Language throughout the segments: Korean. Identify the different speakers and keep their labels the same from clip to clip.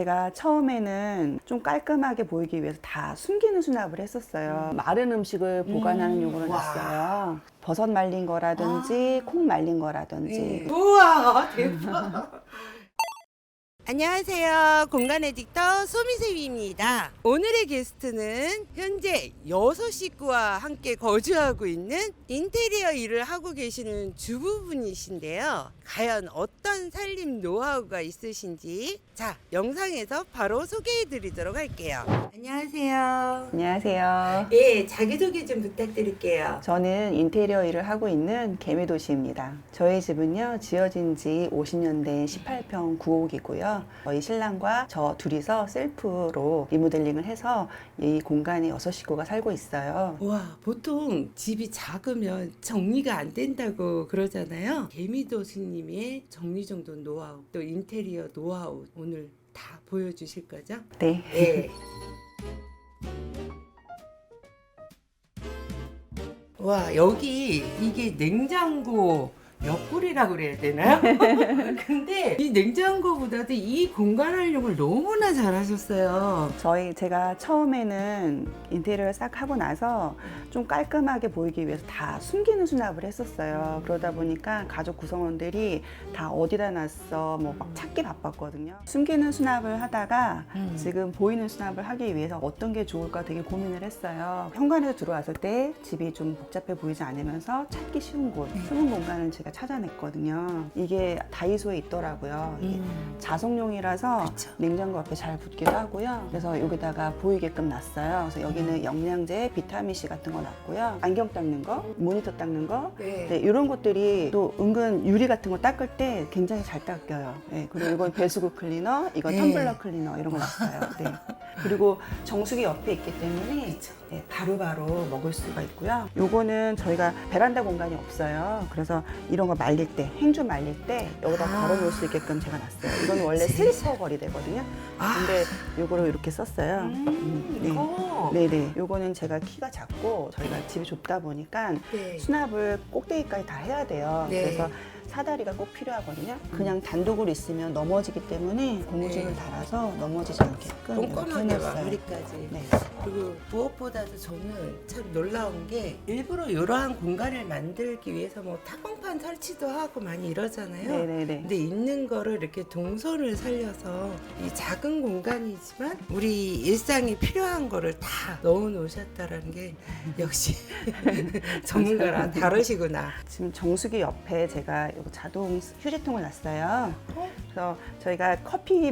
Speaker 1: 제가 처음에는 좀 깔끔하게 보이기 위해서 다 숨기는 수납을 했었어요. 마른 음식을 보관하는 용으로 놨어요. 버섯 말린 거라든지 콩 말린 거라든지.
Speaker 2: 우와, 대박. 안녕하세요. 공간 에디터 소미쌤입니다. 오늘의 게스트는 현재 6식구와 함께 거주하고 있는 인테리어 일을 하고 계시는 주부분이신데요. 과연 어떤 살림 노하우가 있으신지 영상에서 바로 소개해 드리도록 할게요. 안녕하세요.
Speaker 1: 안녕하세요.
Speaker 2: 예, 자기소개 좀 부탁드릴게요.
Speaker 1: 저는 인테리어 일을 하고 있는 개미도시입니다. 저희 집은요, 지어진 지 50년 된 18평 9옥이고요. 저희 신랑과 저 둘이서 셀프로 리모델링을 해서 이 공간에 6식구가 살고 있어요.
Speaker 2: 와, 보통 집이 작으면 정리가 안 된다고 그러잖아요. 개미도수님의 정리정돈 노하우, 또 인테리어 노하우 오늘 다 보여주실 거죠?
Speaker 1: 네.
Speaker 2: 네. 와, 여기 이게 냉장고 옆구리라고 그래야 되나요? 근데 이 냉장고보다도 이 공간 활용을 너무나 잘하셨어요.
Speaker 1: 제가 처음에는 인테리어를 싹 하고 나서 좀 깔끔하게 보이기 위해서 다 숨기는 수납을 했었어요. 그러다 보니까 가족 구성원들이 다 어디다 놨어 뭐 막 찾기 바빴거든요. 숨기는 수납을 하다가 지금 보이는 수납을 하기 위해서 어떤 게 좋을까 되게 고민을 했어요. 현관에서 들어왔을 때 집이 좀 복잡해 보이지 않으면서 찾기 쉬운 곳, 숨은 공간을 제가 찾아냈거든요. 이게 다이소에 있더라고요. 이게 자석용이라서
Speaker 2: 그쵸.
Speaker 1: 냉장고 앞에 잘 붙기도 하고요. 그래서 여기다가 보이게끔 놨어요. 그래서 여기는 영양제, 비타민C 같은 거 놨고요. 안경 닦는 거, 모니터 닦는 거, 네, 이런 것들이 또 은근 유리 같은 거 닦을 때 굉장히 잘 닦여요. 네, 그리고 이건 배수구 클리너, 이건 텀블러 클리너 이런 거 놨어요. 네. 그리고 정수기 옆에 있기 때문에 네, 바로바로 먹을 수가 있고요. 요거는 저희가 베란다 공간이 없어요. 그래서 이런 거 말릴 때, 행주 말릴 때 여기다 걸어 놓을 수 있게끔 제가 놨어요. 이건 원래 슬리퍼 거리 되거든요. 근데 요거를 이렇게 썼어요. 네. 네네. 요거는 제가 키가 작고 저희가 집이 좁다 보니까 수납을 꼭대기까지 다 해야 돼요. 그래서 사다리가 꼭 필요하거든요. 그냥 단독으로 있으면 넘어지기 때문에 고무줄을 달아서 넘어지지 않게끔 이렇게
Speaker 2: 꼼꼼하게
Speaker 1: 해놨어요.
Speaker 2: 마무리까지.
Speaker 1: 네.
Speaker 2: 그리고 무엇보다도 저는 참 놀라운 게 일부러 이러한 공간을 만들기 위해서 뭐 타공판 설치도 하고 많이 이러잖아요.
Speaker 1: 네네네.
Speaker 2: 근데 있는 거를 이렇게 동선을 살려서 이 작은 공간이지만 우리 일상에 필요한 거를 다 넣어 놓으셨다라는 게 역시 전문가라 다르시구나.
Speaker 1: 지금 정수기 옆에 제가 이거 자동 휴지통을 놨어요. 그래서 저희가 커피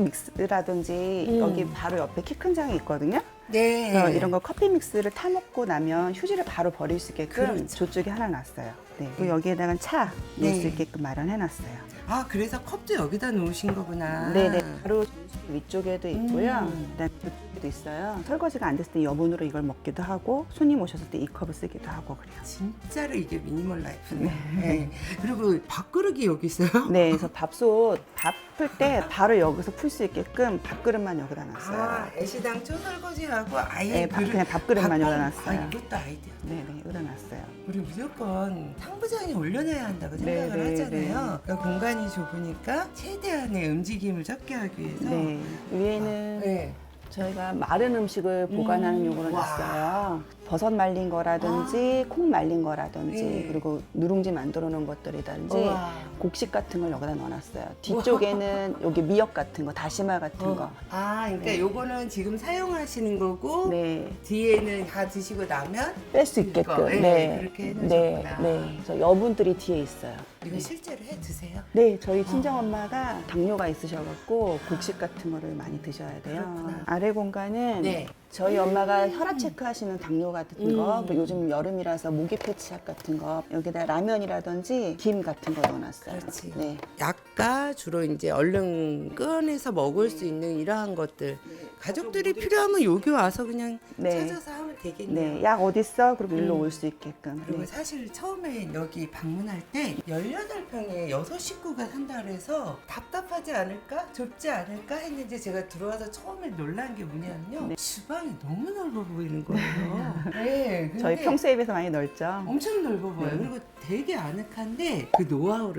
Speaker 1: 믹스라든지 여기 바로 옆에 키 큰 장이 있거든요.
Speaker 2: 네.
Speaker 1: 그래서 이런 거 커피 믹스를 타 먹고 나면 휴지를 바로 버릴 수 있게끔
Speaker 2: 그렇죠.
Speaker 1: 저쪽에 하나 놨어요. 네. 그리고 여기에다가 차 넣을 수 있게끔 마련해 놨어요.
Speaker 2: 아, 그래서 컵도 여기다 놓으신 거구나.
Speaker 1: 네네. 바로 정수기 위쪽에도 있고요. 그다음에 이쪽에도 있어요. 설거지가 안 됐을 때 여분으로 이걸 먹기도 하고 손님 오셨을 때 이 컵을 쓰기도 하고 그래요.
Speaker 2: 진짜로 이게 미니멀 라이프네. 네. 그리고 밥그릇이 여기 있어요?
Speaker 1: 네, 그래서 밥솥 밥 풀 때 바로 여기서 풀 수 있게끔 밥그릇만 여기다 놨어요.
Speaker 2: 아, 애시당초 설거지하고 아예
Speaker 1: 네, 그냥 밥그릇만 여기다 놨어요.
Speaker 2: 아, 이것도 아이디어.
Speaker 1: 네네, 여기다 놨어요.
Speaker 2: 우리 무조건 상부장에 올려놔야 한다고 생각을
Speaker 1: 네, 네,
Speaker 2: 하잖아요. 그러니까 공간이 좁으니까 최대한의 움직임을 적게 하기 위해서.
Speaker 1: 네, 위에는
Speaker 2: 네.
Speaker 1: 저희가 마른 음식을 보관하는 용으로
Speaker 2: 와.
Speaker 1: 놨어요. 버섯 말린 거라든지 콩 말린 거라든지
Speaker 2: 네.
Speaker 1: 그리고 누룽지 만들어 놓은 것들이라든지
Speaker 2: 우와.
Speaker 1: 곡식 같은 걸 여기다 넣어놨어요. 뒤쪽에는 여기 미역 같은 거, 다시마 같은 거.
Speaker 2: 아, 그러니까
Speaker 1: 네.
Speaker 2: 요거는 지금 사용하시는 거고
Speaker 1: 네,
Speaker 2: 뒤에는 다 드시고 나면
Speaker 1: 뺄 수 있게끔.
Speaker 2: 네, 그렇게
Speaker 1: 네,
Speaker 2: 해놓으셨구나.
Speaker 1: 네. 그래서 여분들이 뒤에 있어요.
Speaker 2: 이거 실제로 해 드세요?
Speaker 1: 네, 저희 친정 엄마가 당뇨가 있으셔갖고 곡식 같은 거를 많이 드셔야 돼요.
Speaker 2: 그렇구나.
Speaker 1: 아래 공간은
Speaker 2: 네.
Speaker 1: 저희 엄마가 혈압 체크하시는 당뇨 같은 거, 그리고 요즘 여름이라서 모기 패치약 같은 거, 여기다 라면이라든지 김 같은 거 넣어놨어요.
Speaker 2: 그렇지.
Speaker 1: 네.
Speaker 2: 약과 주로 이제 얼른 꺼내서 먹을 수 있는 이러한 것들 가족들이 필요하면 여기 와서 그냥
Speaker 1: 네.
Speaker 2: 찾아서 하면 되겠네요.
Speaker 1: 네, 약 어딨어? 그리고 일로 올 수 있게끔.
Speaker 2: 그리고
Speaker 1: 네.
Speaker 2: 사실 처음에 여기 방문할 때 18평에 6식구가 산다 그래서 답답하지 않을까? 좁지 않을까? 했는데 제가 들어와서 처음에 놀란 게 뭐냐면요.
Speaker 1: 네.
Speaker 2: 주방이 너무 넓어 보이는 거예요. 네,
Speaker 1: 저희
Speaker 2: 근데
Speaker 1: 평소에 비해서 많이 넓죠.
Speaker 2: 엄청 넓어 보여요.
Speaker 1: 네.
Speaker 2: 그리고 되게 아늑한데 그 노하우를 좀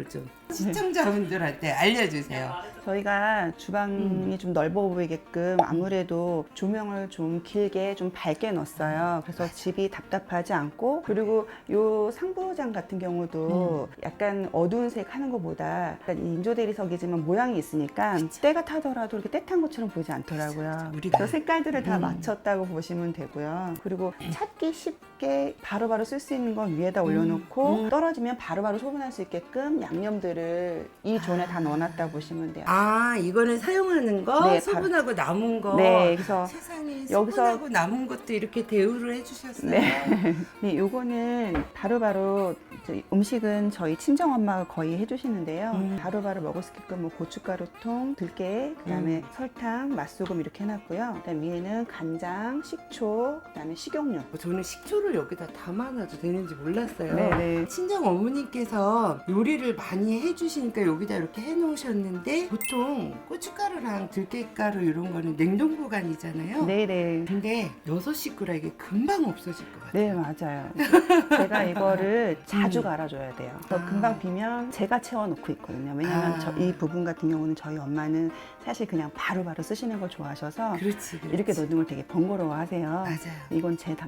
Speaker 2: 시청자분들한테 알려주세요.
Speaker 1: 저희가 주방이 좀 넓어 보이게끔 아무래도 조명을 좀 길게 좀 밝게 넣었어요. 그래서 집이 답답하지 않고, 그리고 요 상부장 같은 경우도 약간 어두운 색 하는 것보다 약간 인조 대리석이지만 모양이 있으니까 때가 타더라도 이렇게 때탄 것처럼 보이지 않더라고요. 그래서 색깔들을 다 맞췄다고 보시면 되고요. 그리고 찾기 쉽게 바로바로 쓸 수 있는 건 위에다 올려놓고 떨어지면 바로바로 소분할 수 있게끔 양념들을 이 존에 다 넣어놨다 보시면 돼요.
Speaker 2: 아, 이거는 사용하는 거,
Speaker 1: 네,
Speaker 2: 소분하고 남은 거.
Speaker 1: 네, 그래서
Speaker 2: 세상에
Speaker 1: 여기서-
Speaker 2: 소분하고 남은 것도 이렇게 대우를 해주셨어요.
Speaker 1: 네, 요거는 바로바로 이제 음식은 저희 친정 엄마가 거의 해주시는데요. 바로바로 먹을 수 있게끔 뭐 고춧가루통, 들깨, 그다음에 설탕, 맛소금 이렇게 해놨고요. 그다음 위에는 간장, 식초, 그다음에 식용유.
Speaker 2: 저는 식초를 여기다 담아놔도 되는지 몰랐어요.
Speaker 1: 네네.
Speaker 2: 친정 어머니께서 요리를 많이 해주시니까 여기다 이렇게 해놓으셨는데, 보통 고춧가루랑 들깨가루 이런 거는 냉동 보관이잖아요.
Speaker 1: 네네.
Speaker 2: 근데 6식구라 이게 금방 없어질 것 같아요.
Speaker 1: 네, 맞아요. 제가 이거를 자주 갈아줘야 돼요. 그래서
Speaker 2: 아.
Speaker 1: 금방 비면 제가 채워놓고 있거든요. 왜냐면
Speaker 2: 아.
Speaker 1: 이 부분 같은 경우는 저희 엄마는 사실 그냥 바로바로 쓰시는 걸 좋아하셔서
Speaker 2: 그렇지.
Speaker 1: 이렇게 넣는 걸 되게 번거로워 하세요.
Speaker 2: 맞아요.
Speaker 1: 이건 제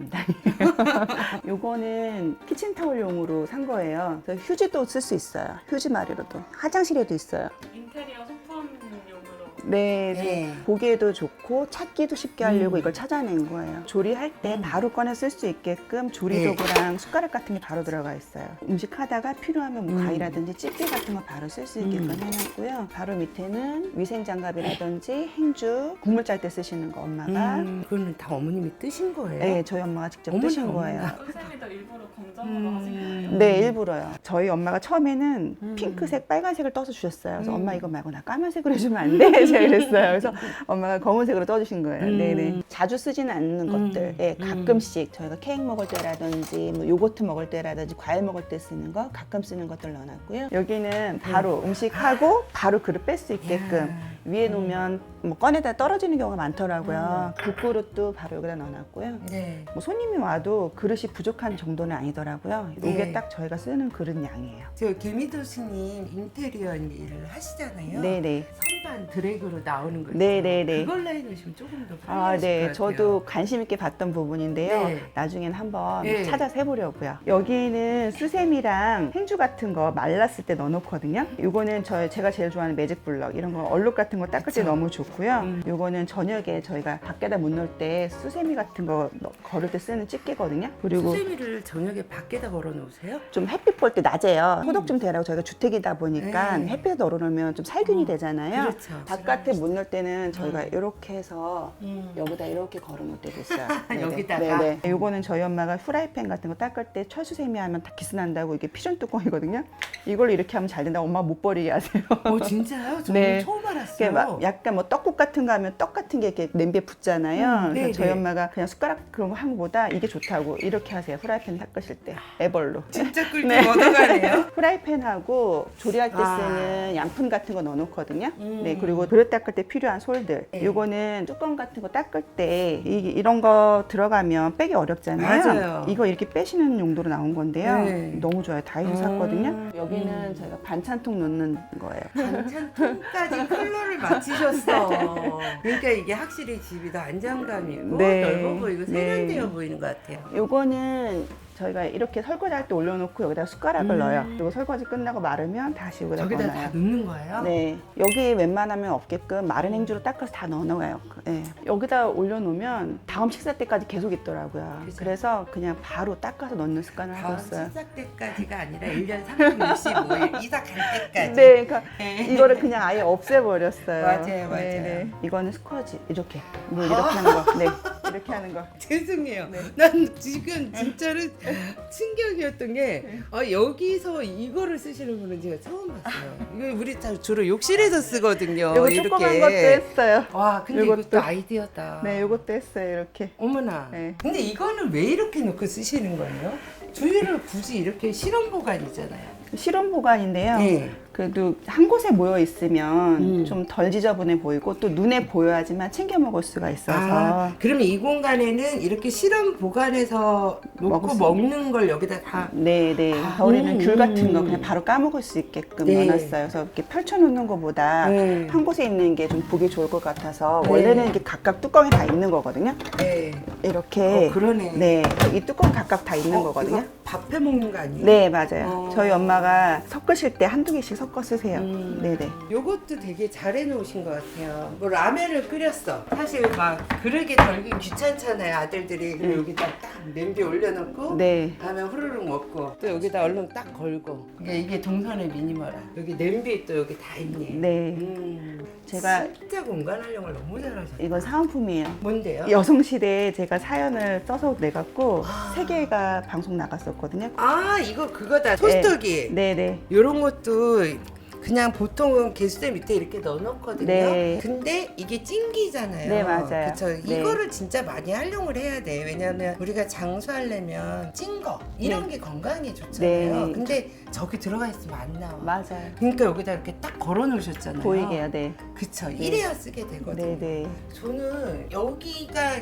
Speaker 1: 담당이에요. 요거는 키친타올용으로 산 거예요. 그래서 휴지도 쓸 수 있어요. 휴지 마리로도. 화장실에도 있어요.
Speaker 3: 인테리어 소품용으로.
Speaker 1: 네,
Speaker 2: 네.
Speaker 1: 보기에도 좋고 찾기도 쉽게 하려고 이걸 찾아낸 거예요. 조리할 때 바로 꺼내 쓸 수 있게끔 조리도구랑 숟가락 같은 게 바로 들어가 있어요. 음식 하다가 필요하면 뭐 과일이라든지 집게 같은 거 바로 쓸 수 있게끔 해놨고요. 바로 밑에는 위생장갑이라든지 행주, 국물 짤 때 쓰시는 거 엄마가
Speaker 2: 그거는 다 어머님이 뜨신 거예요?
Speaker 1: 네, 저희 엄마가 직접
Speaker 2: 어머나,
Speaker 1: 뜨신 거예요.
Speaker 2: 어머나.
Speaker 3: 선생님도 일부러 검정으로 하신 거예요?
Speaker 1: 네, 일부러요. 저희 엄마가 처음에는 핑크색, 빨간색을 떠서 주셨어요. 그래서 엄마 이거 말고 나 까만색으로 해주면 안 돼? 제가 그랬어요. 그래서 엄마가 검은색으로 떠주신 거예요. 네네. 자주 쓰지는 않는 것들. 예, 가끔씩 저희가 케이크 먹을 때라든지 뭐 요거트 먹을 때라든지 과일 먹을 때 쓰는 거 가끔 쓰는 것들 넣어놨고요. 여기는 바로 음식하고 바로 그릇 뺄 수 있게끔 위에 놓으면 뭐 꺼내다 떨어지는 경우가 많더라고요. 국그릇도 바로 여기다 넣어놨고요.
Speaker 2: 네.
Speaker 1: 뭐 손님이 와도 그릇이 부족한 정도는 아니더라고요. 이게
Speaker 2: 네.
Speaker 1: 딱 저희가 쓰는 그릇 양이에요.
Speaker 2: 저 개미도수님 인테리어 일을 하시잖아요.
Speaker 1: 네네.
Speaker 2: 선반 드래그로 나오는 거 있잖아요.
Speaker 1: 네네네.
Speaker 2: 그걸로 해놓으시면 조금 더
Speaker 1: 아,
Speaker 2: 편하실
Speaker 1: 네.
Speaker 2: 것 같아요.
Speaker 1: 저도 관심 있게 봤던 부분인데요.
Speaker 2: 네.
Speaker 1: 나중엔 한번
Speaker 2: 네.
Speaker 1: 찾아서 해보려고요. 여기는 수세미랑 행주 같은 거 말랐을 때 넣어놓거든요. 이거는 제가 제일 좋아하는 매직 블럭 이런 거 얼룩 같은 거 닦을 때
Speaker 2: 그쵸.
Speaker 1: 너무 좋고요. 이거는 저녁에 저희가 밖에다 못 놓을 때 수세미 같은 거 걸을 때 쓰는 집게거든요. 그리고
Speaker 2: 수세미를 저녁에 밖에다 걸어 놓으세요?
Speaker 1: 좀 햇빛 볼 때 낮에요. 소독 좀 되라고 저희가 주택이다 보니까
Speaker 2: 네.
Speaker 1: 햇빛에 널어놓으면 좀 살균이 되잖아요.
Speaker 2: 그렇죠.
Speaker 1: 바깥에 못 넣을 때는 저희가 이렇게 해서 여기다 이렇게 걸어놓을 때도 있어요. 네네.
Speaker 2: 여기다가?
Speaker 1: 네네. 요거는 저희 엄마가 후라이팬 같은 거 닦을 때 철수세미 하면 다 기스난다고 이게 피존 뚜껑이거든요. 이걸로 이렇게 하면 잘 된다고 엄마 못 버리게 하세요.
Speaker 2: 진짜요? 저는
Speaker 1: 네.
Speaker 2: 처음
Speaker 1: 이게
Speaker 2: 알았어요.
Speaker 1: 막 약간 뭐 떡국 같은 거 하면 떡 같은 게 이렇게 냄비에 붙잖아요.
Speaker 2: 네,
Speaker 1: 그래서 저희
Speaker 2: 네.
Speaker 1: 엄마가 그냥 숟가락 그런 거 한 거보다 이게 좋다고 이렇게 하세요. 후라이팬 닦으실 때 애벌로.
Speaker 2: 진짜 꿀팁 얻어가네요.
Speaker 1: 프라이팬하고 조리할 때
Speaker 2: 아.
Speaker 1: 쓰는 양푼 같은 거 넣어놓거든요. 네, 그리고 그릇 닦을 때 필요한 솔들. 요거는 뚜껑 같은 거 닦을 때 이런 거 들어가면 빼기 어렵잖아요.
Speaker 2: 맞아요.
Speaker 1: 이거 이렇게 빼시는 용도로 나온 건데요.
Speaker 2: 네.
Speaker 1: 너무 좋아요. 다이소 샀거든요. 여기는 저희가 반찬통 넣는 거예요.
Speaker 2: 반찬통까지 컬러를 맞추셨어. 그러니까 이게 확실히 집이 더 안정감이 있고
Speaker 1: 네.
Speaker 2: 넓어 보이고
Speaker 1: 네.
Speaker 2: 세련되어 보이는 것 같아요.
Speaker 1: 요거는 저희가 이렇게 설거지 할 때 올려놓고 여기다 숟가락을 넣어요. 그리고 설거지 끝나고 마르면 다시 여기다
Speaker 2: 저기다
Speaker 1: 넣어요.
Speaker 2: 다 넣는 거예요?
Speaker 1: 네, 여기 웬만하면 없게끔 마른 행주로 닦아서 다 넣어놔요. 네. 여기다 올려놓으면 다음 식사 때까지 계속 있더라고요.
Speaker 2: 그죠.
Speaker 1: 그래서 그냥 바로 닦아서 넣는 습관을 하고
Speaker 2: 다음
Speaker 1: 있어요.
Speaker 2: 시작 때까지가 아니라 1년 365일 이사 갈 때까지.
Speaker 1: 네, 그러니까 이거를 그냥 아예 없애버렸어요.
Speaker 2: 맞아요, 맞아요.
Speaker 1: 네. 이거는 스쿼지 이렇게 뭐 이렇게 하는 거. 네, 이렇게 하는 거.
Speaker 2: 죄송해요.
Speaker 1: 네.
Speaker 2: 난 지금 진짜로 충격이었던 게 여기서 이거를 쓰시는 분은 제가 처음 봤어요. 이거 우리 다 주로 욕실에서 쓰거든요.
Speaker 1: 이거 조그만 것도 했어요.
Speaker 2: 와, 근데
Speaker 1: 요것도.
Speaker 2: 이것도 아이디어다.
Speaker 1: 네, 이것도 했어요. 이렇게.
Speaker 2: 어머나.
Speaker 1: 네.
Speaker 2: 근데 이거는 왜 이렇게 놓고 쓰시는 거예요? 주위를 굳이 이렇게 실험 보관이잖아요.
Speaker 1: 실온 보관인데요.
Speaker 2: 네.
Speaker 1: 그래도 한 곳에 모여 있으면
Speaker 2: 음.
Speaker 1: 좀 덜 지저분해 보이고 또 눈에 보여야지만 챙겨 먹을 수가 있어서
Speaker 2: 그러면 이 공간에는 이렇게 실험 보관해서 놓고
Speaker 1: 먹을 수
Speaker 2: 먹는 걸 여기다 다.
Speaker 1: 네네 겨울에는 귤 같은 거
Speaker 2: 음.
Speaker 1: 그냥 바로 까먹을 수 있게끔
Speaker 2: 네.
Speaker 1: 넣어놨어요. 그래서 이렇게 펼쳐놓는 것보다
Speaker 2: 네.
Speaker 1: 한 곳에 있는 게 좀 보기 좋을 것 같아서
Speaker 2: 네.
Speaker 1: 원래는 이렇게 각각 뚜껑이 다 있는 거거든요.
Speaker 2: 네.
Speaker 1: 이렇게
Speaker 2: 그러네.
Speaker 1: 네, 이 뚜껑 각각 다 있는 거거든요.
Speaker 2: 이거 밥해 먹는 거 아니에요?
Speaker 1: 네, 맞아요.
Speaker 2: 어.
Speaker 1: 저희 엄마가 섞으실 때 한두 개씩 섞어 쓰세요. 네네.
Speaker 2: 요것도 되게 잘 해놓으신 것 같아요. 뭐 라면을 끓였어. 사실 막 그릇에 덜기 귀찮잖아요, 아들들이. 그럼 여기다 딱 냄비 올려놓고
Speaker 1: 네.
Speaker 2: 라면 후루룩 먹고 또 여기다 얼른 딱 걸고. 이게 동선의 미니머라. 여기 냄비 또 여기 다 있네.
Speaker 1: 네. 제가
Speaker 2: 진짜 공간 활용을 너무 잘하셨어요.
Speaker 1: 이건 사은품이에요.
Speaker 2: 뭔데요?
Speaker 1: 여성시대에 제가 사연을 써서 내갖고 세 개가 방송 나갔었거든요.
Speaker 2: 아 이거 그거다. 토스터기.
Speaker 1: 네네.
Speaker 2: 이런 것도 그냥 보통은 개수대 밑에 이렇게 넣어놓거든요.
Speaker 1: 네.
Speaker 2: 근데 이게 찡기잖아요.
Speaker 1: 네, 맞아요.
Speaker 2: 그쵸.
Speaker 1: 네.
Speaker 2: 이거를 진짜 많이 활용을 해야 돼. 왜냐면 우리가 장수하려면 찐 거 이런 게 건강에 좋잖아요.
Speaker 1: 네.
Speaker 2: 근데 저기 들어가 있으면 안 나와.
Speaker 1: 맞아요.
Speaker 2: 그러니까 여기다 이렇게 딱 걸어 놓으셨잖아요.
Speaker 1: 보이게요, 네.
Speaker 2: 그쵸. 이래야 쓰게 되거든요.
Speaker 1: 네네.
Speaker 2: 저는 여기가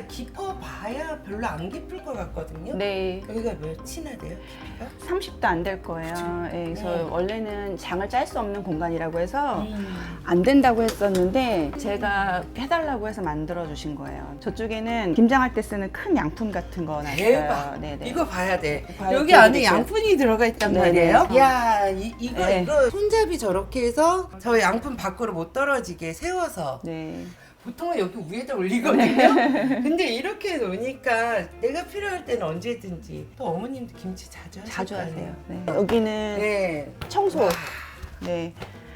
Speaker 2: 깊어봐야 별로 안 깊을 것 같거든요.
Speaker 1: 네.
Speaker 2: 여기가 몇이나 돼요? 깊이가?
Speaker 1: 30도 안 될 거예요. 예, 그래서
Speaker 2: 네.
Speaker 1: 원래는 장을 짤 수 없는 공간이라고 해서 안 된다고 했었는데 제가 해달라고 해서 만들어 주신 거예요. 저쪽에는 김장할 때 쓰는 큰 양푼 같은 거 놨어요.
Speaker 2: 대박.
Speaker 1: 네네.
Speaker 2: 이거 봐야 돼.
Speaker 1: 봐야
Speaker 2: 여기
Speaker 1: 돼,
Speaker 2: 안에
Speaker 1: 이렇게.
Speaker 2: 양푼이 들어가 있단
Speaker 1: 네네.
Speaker 2: 말이에요.
Speaker 1: 어.
Speaker 2: 야, 이거
Speaker 1: 네.
Speaker 2: 이거 손잡이 저렇게 해서 저 양푼 밖으로 못 떨어지게 세워서
Speaker 1: 네.
Speaker 2: 보통은 여기 위에다 올리거든요. 근데 이렇게 놓으니까 내가 필요할 때는 언제든지. 또 어머님도 김치 자주 하실
Speaker 1: 자주
Speaker 2: 거
Speaker 1: 하세요.
Speaker 2: 아니에요?
Speaker 1: 네. 여기는
Speaker 2: 네.
Speaker 1: 청소.
Speaker 2: 와,
Speaker 1: 네.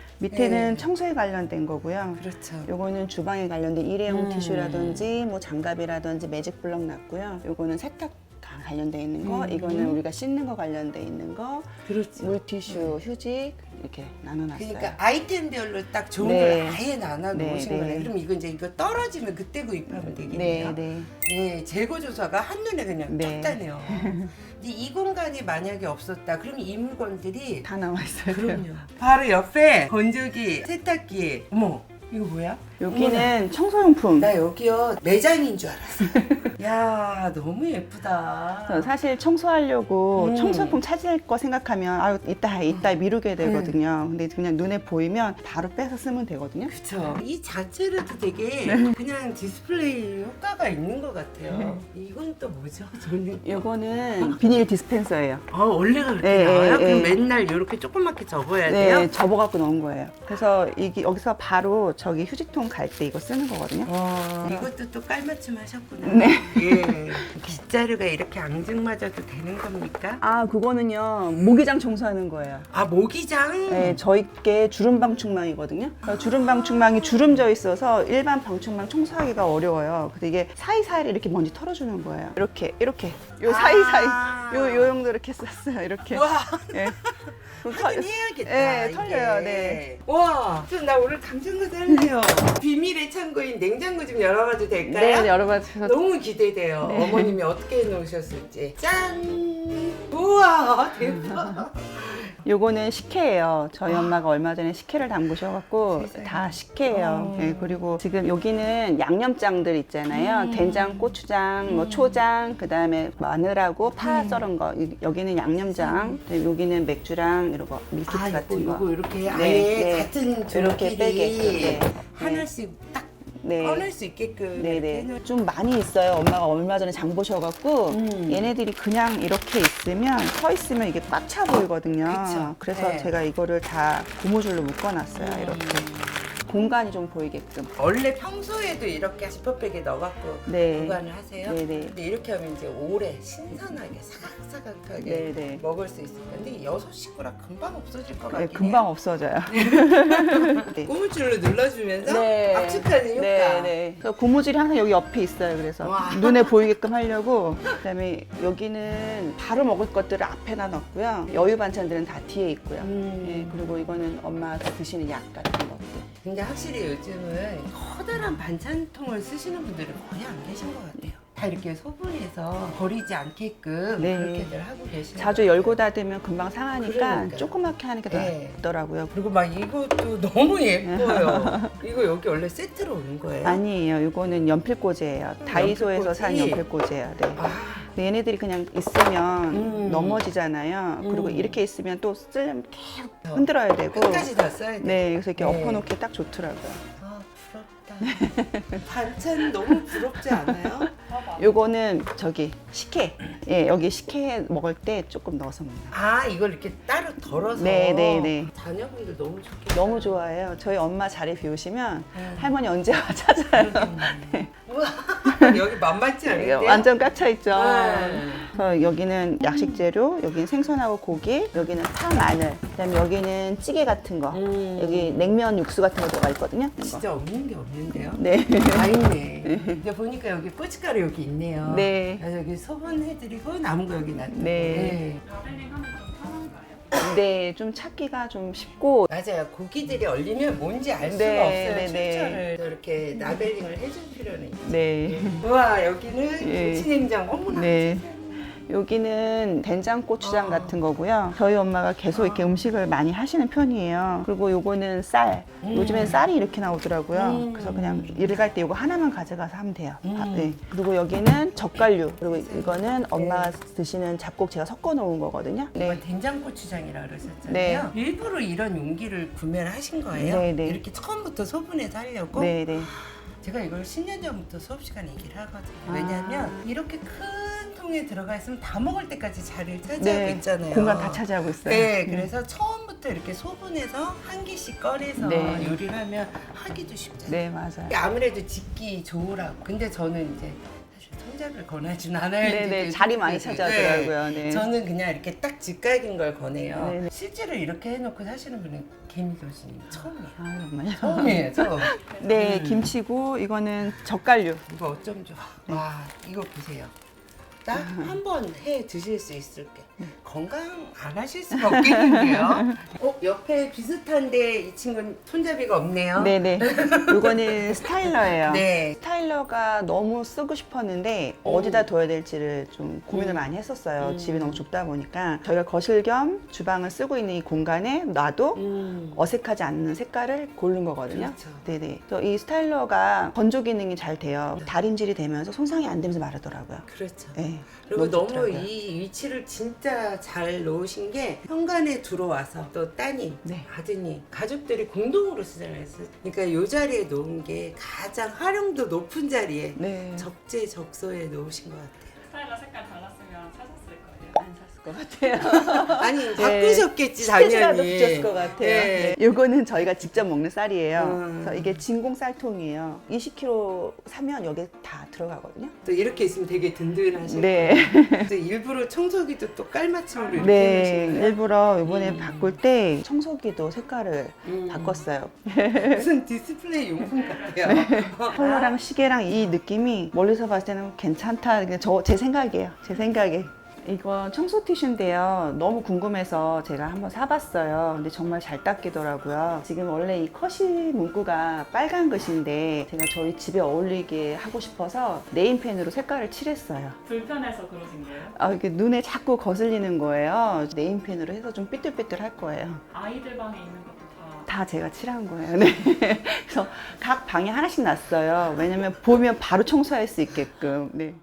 Speaker 1: 밑에는
Speaker 2: 네.
Speaker 1: 청소에 관련된 거고요.
Speaker 2: 그렇죠.
Speaker 1: 요거는 주방에 관련된 일회용
Speaker 2: 음.
Speaker 1: 티슈라든지 뭐 장갑이라든지 매직 블럭 놨고요. 요거는 세탁 관련돼 있는 거, 이거는 우리가 씻는 거 관련돼 있는 거,
Speaker 2: 그렇지.
Speaker 1: 물티슈, 휴지 이렇게 나눠놨어요.
Speaker 2: 그러니까 아이템별로 딱 좋은
Speaker 1: 네.
Speaker 2: 걸 아예 나눠 놓으신
Speaker 1: 네,
Speaker 2: 거예요.
Speaker 1: 네.
Speaker 2: 그럼 이거 이제 이거 떨어지면 그때 구입하면
Speaker 1: 네,
Speaker 2: 되겠네요.
Speaker 1: 네.
Speaker 2: 네, 재고 조사가 한눈에 그냥
Speaker 1: 네.
Speaker 2: 딱 따네요. 근데 이 공간이 만약에 없었다, 그럼 이 물건들이
Speaker 1: 다 나와 있어요.
Speaker 2: 그럼요. 바로 옆에 건조기, 세탁기. 어머, 이거 뭐야?
Speaker 1: 여기는 청소용품.
Speaker 2: 나 여기요 매장인 줄 알았어. 야, 너무 예쁘다.
Speaker 1: 그래서 사실 청소하려고
Speaker 2: 음.
Speaker 1: 청소용품 찾을 거 생각하면 아유 이따 미루게 되거든요. 근데 그냥 눈에 보이면 바로 빼서 쓰면 되거든요.
Speaker 2: 그쵸. 이 자체로도 되게
Speaker 1: 네.
Speaker 2: 그냥 디스플레이 효과가 있는 것 같아요. 이건 또 뭐죠? 저는
Speaker 1: 요거는 비닐 디스펜서예요.
Speaker 2: 원래가 그렇게
Speaker 1: 네,
Speaker 2: 나와요?
Speaker 1: 네,
Speaker 2: 그럼
Speaker 1: 네.
Speaker 2: 맨날 이렇게 조그맣게 접어야 돼요?
Speaker 1: 네, 접어갖고 넣은 거예요. 그래서 이게 여기서 바로 저기 휴지통 갈 때 이거 쓰는 거거든요.
Speaker 2: 이것도 또 깔맞춤 하셨구나.
Speaker 1: 네.
Speaker 2: 예. 빗자루가 이렇게 앙증맞아도 되는 겁니까?
Speaker 1: 아, 그거는요 모기장 청소하는 거예요.
Speaker 2: 아, 모기장?
Speaker 1: 네, 저희 게 주름 방충망이거든요. 주름 방충망이 주름져 있어서 일반 방충망 청소하기가 어려워요. 근데 이게 사이사이를 이렇게 먼지 털어주는 거예요. 이렇게 요 사이사이 요 정도 이렇게 썼어요. 이렇게.
Speaker 2: 와,
Speaker 1: 예. 그럼
Speaker 2: 하긴
Speaker 1: 털-
Speaker 2: 해야겠다.
Speaker 1: 네,
Speaker 2: 이게.
Speaker 1: 털려요. 네.
Speaker 2: 와, 좀 나 오늘 감정가도 할래요. 비밀의 창고인 냉장고 좀 열어봐도 될까요?
Speaker 1: 네, 여러분
Speaker 2: 너무 기대돼요.
Speaker 1: 네.
Speaker 2: 어머님이 어떻게 해놓으셨을지. 짠! 우와, 대박.
Speaker 1: 요거는 식혜예요. 저희 엄마가 얼마 전에 식혜를 담그셔갖고
Speaker 2: 세상에.
Speaker 1: 다 식혜예요. 네, 그리고 지금 여기는 양념장들 있잖아요. 된장, 고추장, 뭐 초장, 그 다음에 마늘하고 파 썰은 거. 여기는 양념장, 그다음에 여기는 맥주랑 이런 거 밀키트
Speaker 2: 아,
Speaker 1: 같은 거.
Speaker 2: 요거 이렇게 아예
Speaker 1: 네.
Speaker 2: 같은
Speaker 1: 이렇게 빼게끔.
Speaker 2: 종끼리
Speaker 1: 네.
Speaker 2: 하나씩 딱
Speaker 1: 네.
Speaker 2: 꺼낼 수 있게끔 이렇게
Speaker 1: 네네.
Speaker 2: 해놓-
Speaker 1: 좀 많이 있어요. 엄마가 얼마 전에 장 보셔갖고 얘네들이 그냥 이렇게 있으면 서 있으면 이게 꽉 차 보이거든요.
Speaker 2: 그쵸.
Speaker 1: 그래서
Speaker 2: 네.
Speaker 1: 제가 이거를 다 고무줄로 묶어놨어요. 이렇게 공간이 좀 보이게끔.
Speaker 2: 원래 평소에도 이렇게 지퍼백에 넣어갖고
Speaker 1: 네.
Speaker 2: 보관을 하세요?
Speaker 1: 네네.
Speaker 2: 근데 이렇게 하면 이제 오래 신선하게 사각사각하게
Speaker 1: 네네.
Speaker 2: 먹을 수 있을 텐데 6식구라 금방 없어질 것
Speaker 1: 네,
Speaker 2: 같긴
Speaker 1: 금방
Speaker 2: 해요.
Speaker 1: 없어져요. 네.
Speaker 2: 고무줄로 눌러주면서
Speaker 1: 네.
Speaker 2: 압축하는 효과.
Speaker 1: 네, 네. 그래서 고무줄이 항상 여기 옆에 있어요. 그래서
Speaker 2: 와.
Speaker 1: 눈에 보이게끔 하려고. 그다음에 여기는 바로 먹을 것들을 앞에다 넣었고요. 여유 반찬들은 다 뒤에 있고요. 네, 그리고 이거는 엄마가 드시는 약 같은 것들.
Speaker 2: 근데 확실히 요즘은 커다란 반찬통을 쓰시는 분들이 거의 안 계신 것 같아요. 다 이렇게 소분해서 버리지 않게끔
Speaker 1: 네.
Speaker 2: 그렇게들 하고 계시는
Speaker 1: 자주
Speaker 2: 것
Speaker 1: 열고
Speaker 2: 같아요.
Speaker 1: 닫으면 금방 상하니까
Speaker 2: 그러니까요.
Speaker 1: 조그맣게 하는 게 더
Speaker 2: 네.
Speaker 1: 낫더라고요.
Speaker 2: 그리고 막 이것도 너무 예뻐요. 이거 여기 원래 세트로 오는 거예요?
Speaker 1: 아니에요. 이거는 연필꽂이에요. 다이소에서 산
Speaker 2: 연필꽂이?
Speaker 1: 연필꽂이에요. 네.
Speaker 2: 아,
Speaker 1: 근데 얘네들이 그냥 있으면 넘어지잖아요. 그리고
Speaker 2: 음.
Speaker 1: 이렇게 있으면 또 쓰려면 계속 흔들어야 되고.
Speaker 2: 끝까지 다 써야 돼.
Speaker 1: 네, 그래서 이렇게
Speaker 2: 네.
Speaker 1: 엎어놓기 딱 좋더라고요.
Speaker 2: 아, 부럽다. 반찬 너무 부럽지 않아요?
Speaker 1: 요거는 저기 식혜. 예, 여기 식혜 먹을 때 조금 넣어서 먹는.
Speaker 2: 아, 이걸 이렇게 따로 덜어서.
Speaker 1: 네, 네, 네.
Speaker 2: 자녀분들 너무 좋겠다.
Speaker 1: 너무 좋아해요. 저희 엄마 자리 비우시면
Speaker 2: 음.
Speaker 1: 할머니 언제 와 찾아요.
Speaker 2: 우와, 여기 만만치
Speaker 1: 이게
Speaker 2: 않은데요?
Speaker 1: 완전 꽉차 있죠.
Speaker 2: 네.
Speaker 1: 그래서 여기는 약식 재료, 여기는 생선하고 고기, 여기는 파, 마늘, 그다음에 여기는 찌개 같은 거, 여기 냉면 육수 같은 거 들어가 있거든요. 이거.
Speaker 2: 진짜 없는 게 없는데요?
Speaker 1: 네.
Speaker 2: 다 있네. 근데 보니까 여기 고춧가루 여기 있네요.
Speaker 1: 네.
Speaker 2: 그래서 여기 소분해드리고 남은 거 여기 놔두고.
Speaker 1: 네.
Speaker 3: 가들링 하면 좀 편한가요?
Speaker 1: 네, 좀 찾기가 좀 쉽고.
Speaker 2: 맞아요. 고기들이 얼리면 뭔지 알 수가
Speaker 1: 네,
Speaker 2: 없어요.
Speaker 1: 네, 네.
Speaker 2: 출처를 이렇게 라벨링을 해줄 필요는 있죠.
Speaker 1: 네.
Speaker 2: 우와, 여기는
Speaker 1: 예.
Speaker 2: 김치냉장. 어머나.
Speaker 1: 네. 여기는 된장고추장 같은 거고요. 저희 엄마가 계속 이렇게 음식을 많이 하시는 편이에요. 그리고 요거는 쌀. 요즘엔 쌀이 이렇게 나오더라고요. 그래서 그냥 일을 갈 때 요거 하나만 가져가서 하면 돼요. 네. 그리고 여기는 젓갈류. 그리고 이거는 엄마가 드시는 잡곡 제가 섞어 놓은 거거든요.
Speaker 2: 이거
Speaker 1: 네.
Speaker 2: 된장고추장이라 그러셨잖아요.
Speaker 1: 네.
Speaker 2: 일부러 이런 용기를 구매를 하신 거예요?
Speaker 1: 네, 네.
Speaker 2: 이렇게 처음부터 소분해서 하려고?
Speaker 1: 네, 네.
Speaker 2: 제가 이걸 10년 전부터 수업 시간에 얘기를 하거든요.
Speaker 1: 아.
Speaker 2: 왜냐하면 이렇게 큰 통에 들어가 있으면 다 먹을 때까지 자리를 차지하고
Speaker 1: 네.
Speaker 2: 있잖아요.
Speaker 1: 공간 다 차지하고 있어요.
Speaker 2: 네, 그래서 처음부터 이렇게 소분해서 한 개씩 꺼내서
Speaker 1: 네.
Speaker 2: 요리를 하면 하기도 쉽잖아요.
Speaker 1: 네, 맞아요.
Speaker 2: 아무래도 짓기 좋으라고. 근데 저는 이제 사실 손잡이를 권하진 않아요.
Speaker 1: 네, 네.
Speaker 2: 이제
Speaker 1: 자리 많이
Speaker 2: 네.
Speaker 1: 차지하더라고요. 네.
Speaker 2: 저는 그냥 이렇게 딱 직각인 걸 권해요.
Speaker 1: 네, 네.
Speaker 2: 실제로 이렇게 해놓고 사시는 분은 개미 교수님 처음이에요.
Speaker 1: 아, 정말요?
Speaker 2: 처음이에요, 처음.
Speaker 1: 네, 김치고 이거는 젓갈류.
Speaker 2: 이거 어쩜 좋아.
Speaker 1: 네.
Speaker 2: 와, 이거 보세요. 딱 한 번 해 드실 수 있을게. 건강 안 하실 수가 없겠는데요. 옆에 비슷한데 이 친구는 손잡이가 없네요.
Speaker 1: 네네. 이거는 스타일러예요.
Speaker 2: 네.
Speaker 1: 스타일러가 너무 쓰고 싶었는데 어디다 둬야 될지를 좀 고민을 많이 했었어요. 집이 너무 좁다 보니까 저희가 거실 겸 주방을 쓰고 있는 이 공간에 놔도 어색하지 않는 색깔을 고른 거거든요.
Speaker 2: 그렇죠.
Speaker 1: 네네. 그래서 이 스타일러가 건조 기능이 잘 돼요. 다림질이 되면서 손상이 안 되면서 마르더라고요.
Speaker 2: 그렇죠.
Speaker 1: 네.
Speaker 2: 그리고 너무
Speaker 1: 좋더라고요.
Speaker 2: 이 위치를 진짜 잘 놓으신 게 현관에 들어와서 또 따님,
Speaker 1: 네.
Speaker 2: 아드님, 가족들이 공동으로 쓰잖아요. 그러니까 이 자리에 놓은 게 가장 활용도 높은 자리에
Speaker 1: 네.
Speaker 2: 적재적소에 놓으신 것 같아요.
Speaker 3: 스타일러 색깔 달랐으면 사셨을 거예요.
Speaker 1: 안 샀을 것 같아요.
Speaker 2: 아니
Speaker 1: 네.
Speaker 2: 바꾸셨겠지
Speaker 1: 스테이지라도
Speaker 2: 당연히.
Speaker 1: 붙였을 것 같아요.
Speaker 2: 네.
Speaker 1: 네. 요거는 저희가 직접 먹는 쌀이에요.
Speaker 2: 음.
Speaker 1: 그래서 이게 진공 쌀통이에요. 20kg 사면 여기 다 들어가거든요.
Speaker 2: 또 이렇게 있으면 되게 든든하시고.
Speaker 1: 네.
Speaker 2: 또 일부러 청소기도 또 깔맞춤으로 이렇게
Speaker 1: 네.
Speaker 2: 해놓으신 거예요?
Speaker 1: 일부러 이번에 바꿀 때 청소기도 색깔을 바꿨어요.
Speaker 2: 무슨 디스플레이 용품 같아요.
Speaker 1: 컬러랑 시계랑 이 느낌이 멀리서 봤을 때는 괜찮다. 제 생각이에요. 제 생각에. 이거 청소 티슈인데요. 너무 궁금해서 제가 한번 사봤어요. 근데 정말 잘 닦이더라고요. 지금 원래 이 컷이 문구가 빨간 것인데 제가 저희 집에 어울리게 하고 싶어서 네임펜으로 색깔을 칠했어요.
Speaker 3: 불편해서 그러신 거예요?
Speaker 1: 아, 이게 눈에 자꾸 거슬리는 거예요. 네임펜으로 해서 좀 삐뚤삐뚤 할 거예요.
Speaker 3: 아이들 방에 있는 것도 다
Speaker 1: 다 제가 칠한 거예요. 네. 그래서 각 방에 하나씩 놨어요. 왜냐면 보면 바로 청소할 수 있게끔. 네.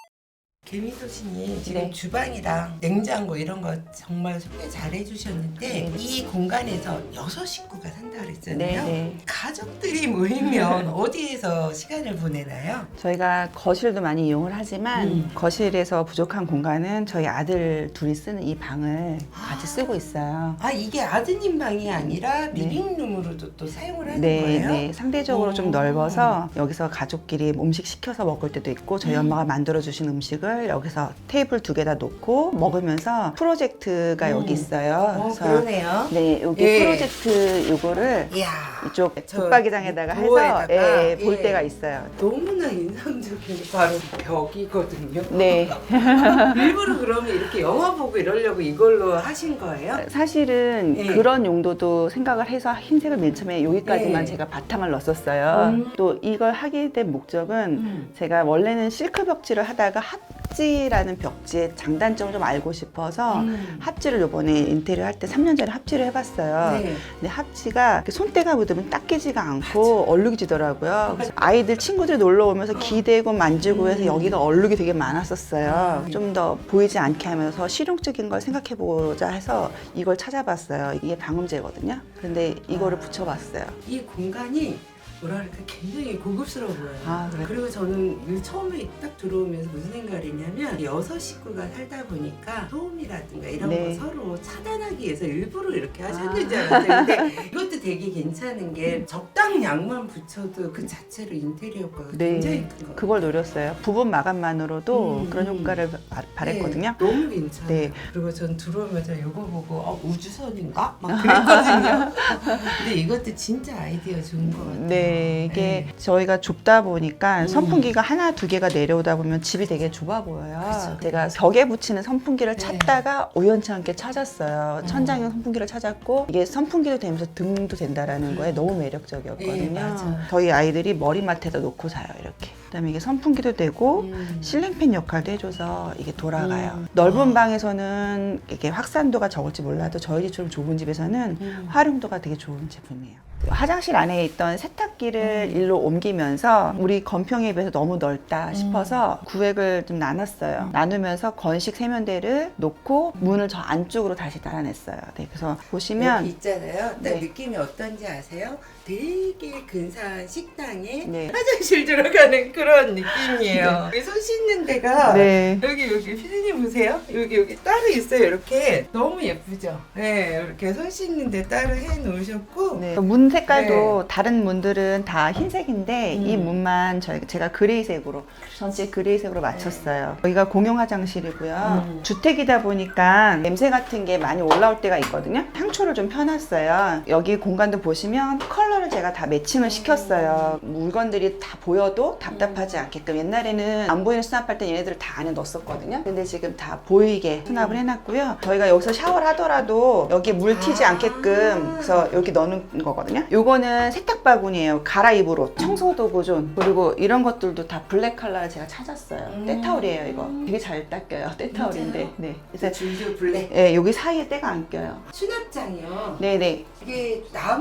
Speaker 2: 개미소신이 지금
Speaker 1: 네.
Speaker 2: 주방이랑 냉장고 이런 거 정말 소개 잘 해주셨는데
Speaker 1: 네.
Speaker 2: 이 공간에서 6식구가 산다 그랬잖아요.
Speaker 1: 네.
Speaker 2: 가족들이 모이면 어디에서 시간을 보내나요?
Speaker 1: 저희가 거실도 많이 이용을 하지만 거실에서 부족한 공간은 저희 아들 둘이 쓰는 이 방을 같이 쓰고 있어요.
Speaker 2: 아, 이게 아드님 방이 아니라 리빙룸으로도 또 사용을 하는
Speaker 1: 네,
Speaker 2: 거예요?
Speaker 1: 네. 상대적으로
Speaker 2: 오.
Speaker 1: 좀 넓어서 여기서 가족끼리 음식 시켜서 먹을 때도 있고 저희 엄마가 만들어주신 음식을 거를 여기서 테이블 2개 놓고 먹으면서 프로젝트가 여기 있어요.
Speaker 2: 그러네요.
Speaker 1: 네, 여기
Speaker 2: 예.
Speaker 1: 프로젝트 요거를
Speaker 2: 이야,
Speaker 1: 이쪽
Speaker 2: 저
Speaker 1: 붙박이장에다가 해서
Speaker 2: 부엌에다가,
Speaker 1: 예, 볼
Speaker 2: 예.
Speaker 1: 때가 있어요.
Speaker 2: 너무나 인상적인 게 바로 벽이거든요.
Speaker 1: 네.
Speaker 2: 일부러 그러면 이렇게 영화 보고 이러려고 이걸로 하신 거예요?
Speaker 1: 사실은
Speaker 2: 예.
Speaker 1: 그런 용도도 생각을 해서 흰색을 맨 처음에 여기까지만
Speaker 2: 예.
Speaker 1: 제가 바탕을 넣었었어요. 또 이걸 하게 된 목적은 제가 원래는 실크 벽지를 하다가 합지라는 벽지의 장단점을 좀 알고 싶어서 합지를 요번에 인테리어 할 때 3년 전에 합지를 해봤어요.
Speaker 2: 네.
Speaker 1: 근데 합지가 이렇게 손때가 묻으면 딱 깨지가 않고 얼룩이지더라고요. 그래서 아이들 친구들이 놀러 오면서 기대고 만지고 해서 여기가 얼룩이 되게 많았었어요. 좀 더 보이지 않게 하면서 실용적인 걸 생각해보자 해서 이걸 찾아봤어요. 이게 방음제거든요. 근데 이거를 붙여봤어요.
Speaker 2: 이 공간이 뭐랄까 굉장히 고급스러워 보여요.
Speaker 1: 아, 그래요?
Speaker 2: 그리고 저는 이 처음에 딱 들어오면서 무슨 생각을 했냐면 6식구가 살다 보니까 소음이라든가 이런
Speaker 1: 네.
Speaker 2: 거 서로 차단하기 위해서 일부러 이렇게 하셨는지 알았어요. 근데 이것도 되게 괜찮은 게 적당량만 붙여도 그 자체로 인테리어 효과가 굉장히 큰 것 같아요.
Speaker 1: 그걸 노렸어요. 부분 마감만으로도
Speaker 2: 음.
Speaker 1: 그런 효과를 바랬거든요.
Speaker 2: 네, 너무 괜찮아요.
Speaker 1: 네.
Speaker 2: 그리고 전 들어오면서 이거 보고 우주선인가? 막 그랬거든요. 근데 이것도 진짜 아이디어 좋은 것 같아요.
Speaker 1: 네, 이게 저희가 좁다 보니까 선풍기가 하나, 2개가 내려오다 보면 집이 되게 좁아 보여요.
Speaker 2: 그렇죠.
Speaker 1: 제가 벽에 붙이는 선풍기를
Speaker 2: 네.
Speaker 1: 찾다가 우연치 않게 찾았어요. 천장용 선풍기를 찾았고 이게 선풍기도 되면서 등도 된다라는 거에 너무 매력적이었거든요.
Speaker 2: 네, 맞아요.
Speaker 1: 저희 아이들이 머리맡에다 놓고 자요, 이렇게. 그다음에 이게 선풍기도 되고 실링팬 역할도 해줘서 이게 돌아가요. 넓은 방에서는 이게 확산도가 적을지 몰라도 저희 집처럼 좁은 집에서는 활용도가 되게 좋은 제품이에요. 화장실 안에 있던 세탁기를 일로 옮기면서 우리 건평에 비해서 너무 넓다 싶어서 구획을 좀 나눴어요. 나누면서 건식 세면대를 놓고 문을 저 안쪽으로 다시 달아냈어요. 네, 그래서 보시면
Speaker 2: 여기 있잖아요. 딱
Speaker 1: 네.
Speaker 2: 느낌이 어떤지 아세요? 되게 근사한 식당에
Speaker 1: 네.
Speaker 2: 화장실 들어가는 그런 느낌이에요. 여기 손 씻는 데가
Speaker 1: 네.
Speaker 2: 여기 피디님 보세요. 여기 따로 있어요. 이렇게 너무 예쁘죠. 네, 이렇게 손 씻는 데 따로 해 놓으셨고
Speaker 1: 네. 문 색깔도 다른 문들은 다 흰색인데 이 문만 제가 그레이색으로 전체 그레이색으로 맞췄어요. 여기가 공용 화장실이고요. 주택이다 보니까 냄새 같은 게 많이 올라올 때가 있거든요. 향초를 좀 펴놨어요. 여기 공간도 보시면 컬러를 제가 다 매칭을 시켰어요. 물건들이 다 보여도 답답하지 않게끔. 옛날에는 안 보이는 수납할 때 얘네들을 다 안에 넣었었거든요. 근데 지금 다 보이게 수납을 해놨고요. 저희가 여기서 샤워를 하더라도 여기 물 튀지 않게끔 그래서 여기 넣는 거거든요. 요거는 세탁 바구니예요. 갈아입으로 청소 도구존 그리고 이런 것들도 다 블랙 컬러를 제가 찾았어요. 때타올이에요. 이거 되게 잘 닦여요. 때타올인데. 네. 그래서
Speaker 2: 줄줄 블랙
Speaker 1: 네, 여기 사이에 때가 안 껴요.
Speaker 2: 수납장이요.
Speaker 1: 네네.
Speaker 2: 이게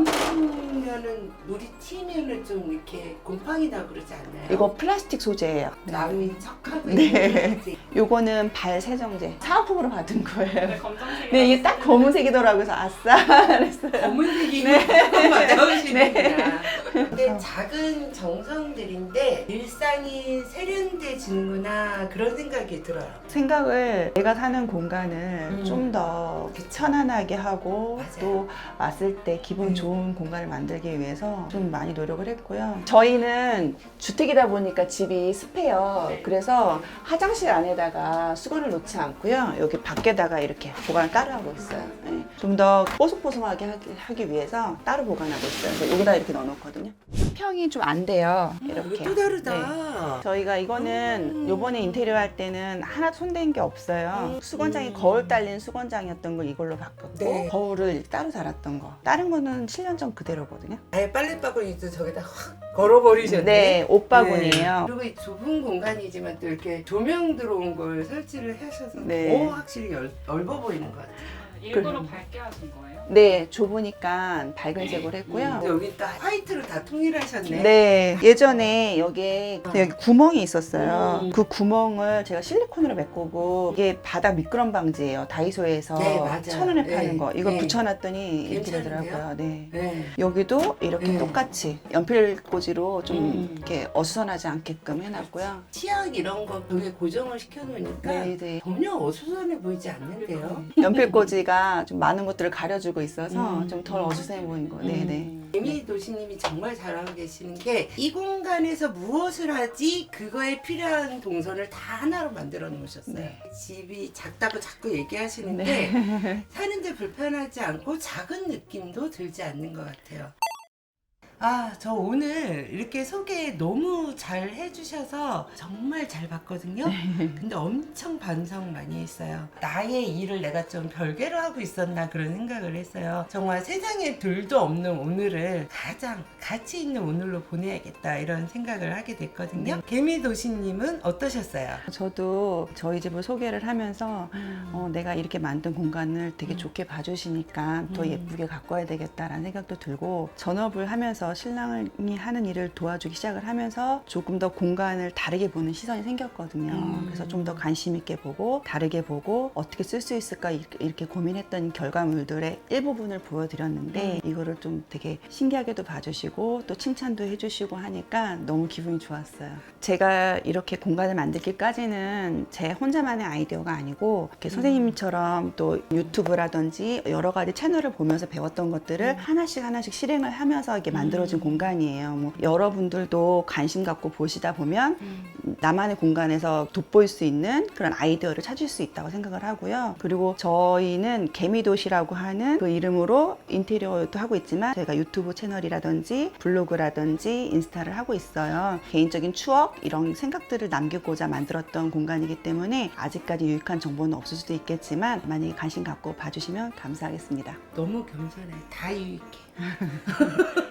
Speaker 2: 남으면은 물이 튀면은 좀 이렇게 곰팡이 나고 그러지 않나요?
Speaker 1: 이거 플라스틱 소재예요.
Speaker 2: 남이 척하고
Speaker 1: 네.
Speaker 2: 있는
Speaker 1: 요거는 발 세정제 사은품으로 받은 거예요.
Speaker 3: 네, 검정색이
Speaker 1: 네, 이게 딱 검은색이더라고요. 그래서 아싸 그랬어요.
Speaker 2: 검은색이
Speaker 1: 네.
Speaker 2: 조금 맞아오시는구나. 근데 작은 정성들인데 일상이 세련돼지는구나 그런 생각이 들어요.
Speaker 1: 생각을 내가 사는 공간을 좀 더 편안하게 하고
Speaker 2: 맞아요.
Speaker 1: 또 왔을 때 기분 좋은 공간을 만들기 위해서 좀 많이 노력을 했고요. 저희는 주택이다 보니까 집이 습해요. 그래서 화장실 안에다가 수건을 놓지 않고요. 여기 밖에다가 이렇게 보관을 따로 하고 있어요. 네. 좀 더 뽀송뽀송하게 하기 위해서 따로 보관하고 있어요. 그래서 여기다 이렇게 넣어놓거든요. 수평이 좀 안 돼요. 이렇게.
Speaker 2: 이거 또 다르다.
Speaker 1: 네. 저희가 이거는 요번에 인테리어 할 때는 하나 손댄 게 없어요. 수건장이 거울 달린 수건장이었던 걸 이걸로 바꿨고
Speaker 2: 네.
Speaker 1: 거울을 따로 달았던 거. 다른 거는 7년 전 그대로거든요.
Speaker 2: 아예 빨래바구니도 저기다 확 걸어버리셨네.
Speaker 1: 네, 옷바구니예요.
Speaker 2: 그리고 이 좁은 공간이지만 또 이렇게 조명 들어온 걸 설치를 하셔서
Speaker 1: 네.
Speaker 2: 더 확실히 넓어 보이는 것 같아요.
Speaker 3: 일부러 밝게 하신 거예요?
Speaker 1: 네, 좁으니까 밝은 색으로 했고요.
Speaker 2: 근데 여기 또 화이트로 다 통일하셨네.
Speaker 1: 네, 예전에 여기 구멍이 있었어요. 그 구멍을 제가 실리콘으로 메꾸고 이게 바닥 미끄럼 방지예요. 다이소에서
Speaker 2: 네, 맞아요.
Speaker 1: 1,000원에
Speaker 2: 네.
Speaker 1: 파는 거. 이걸
Speaker 2: 네.
Speaker 1: 붙여놨더니 이렇게
Speaker 2: 괜찮은데요?
Speaker 1: 되더라고요. 네.
Speaker 2: 네.
Speaker 1: 여기도 이렇게
Speaker 2: 네.
Speaker 1: 똑같이 연필꽂이로 좀 이렇게 어수선하지 않게끔 해놨고요.
Speaker 2: 치약 이런 거 벽에 고정을 시켜놓으니까
Speaker 1: 네, 네.
Speaker 2: 전혀 어수선해 보이지 않는데요.
Speaker 1: 연필꽂이가 좀 많은 것들을 가려주고 있어서 좀 덜 어수선해 보인 거. 네, 네.
Speaker 2: 개미 도시님이 정말 잘하고 계시는 게 이 공간에서 무엇을 하지 그거에 필요한 동선을 다 하나로 만들어 놓으셨어요.
Speaker 1: 네.
Speaker 2: 집이 작다고 자꾸 얘기하시는데 사는데 불편하지 않고 작은 느낌도 들지 않는 것 같아요. 아, 저 오늘 이렇게 소개 너무 잘 해주셔서 정말 잘 봤거든요. 근데 엄청 반성 많이 했어요. 나의 일을 내가 좀 별개로 하고 있었나 그런 생각을 했어요. 정말 세상에 둘도 없는 오늘을 가장 가치 있는 오늘로 보내야겠다 이런 생각을 하게 됐거든요. 개미도시님은 어떠셨어요?
Speaker 1: 저도 저희 집을 소개를 하면서 내가 이렇게 만든 공간을 되게 좋게 봐주시니까 더 예쁘게 가꿔야 되겠다라는 생각도 들고, 전업을 하면서 신랑이 하는 일을 도와주기 시작을 하면서 조금 더 공간을 다르게 보는 시선이 생겼거든요. 그래서 좀 더 관심 있게 보고 다르게 보고 어떻게 쓸 수 있을까 이렇게 고민했던 결과물들의 일부분을 보여드렸는데 이거를 좀 되게 신기하게도 봐주시고 또 칭찬도 해주시고 하니까 너무 기분이 좋았어요. 제가 이렇게 공간을 만들기까지는 제 혼자만의 아이디어가 아니고 이렇게 선생님처럼 또 유튜브라든지 여러 가지 채널을 보면서 배웠던 것들을 하나씩 실행을 하면서 이게 만들어진 공간이에요. 뭐 여러분들도 관심 갖고 보시다 보면 나만의 공간에서 돋보일 수 있는 그런 아이디어를 찾을 수 있다고 생각을 하고요. 그리고 저희는 개미도시라고 하는 그 이름으로 인테리어도 하고 있지만 저희가 유튜브 채널이라든지 블로그라든지 인스타를 하고 있어요. 개인적인 추억 이런 생각들을 남기고자 만들었던 공간이기 때문에 아직까지 유익한 정보는 없을 수도 있겠지만 만약에 관심 갖고 봐주시면 감사하겠습니다.
Speaker 2: 너무 겸손해. 다 유익해.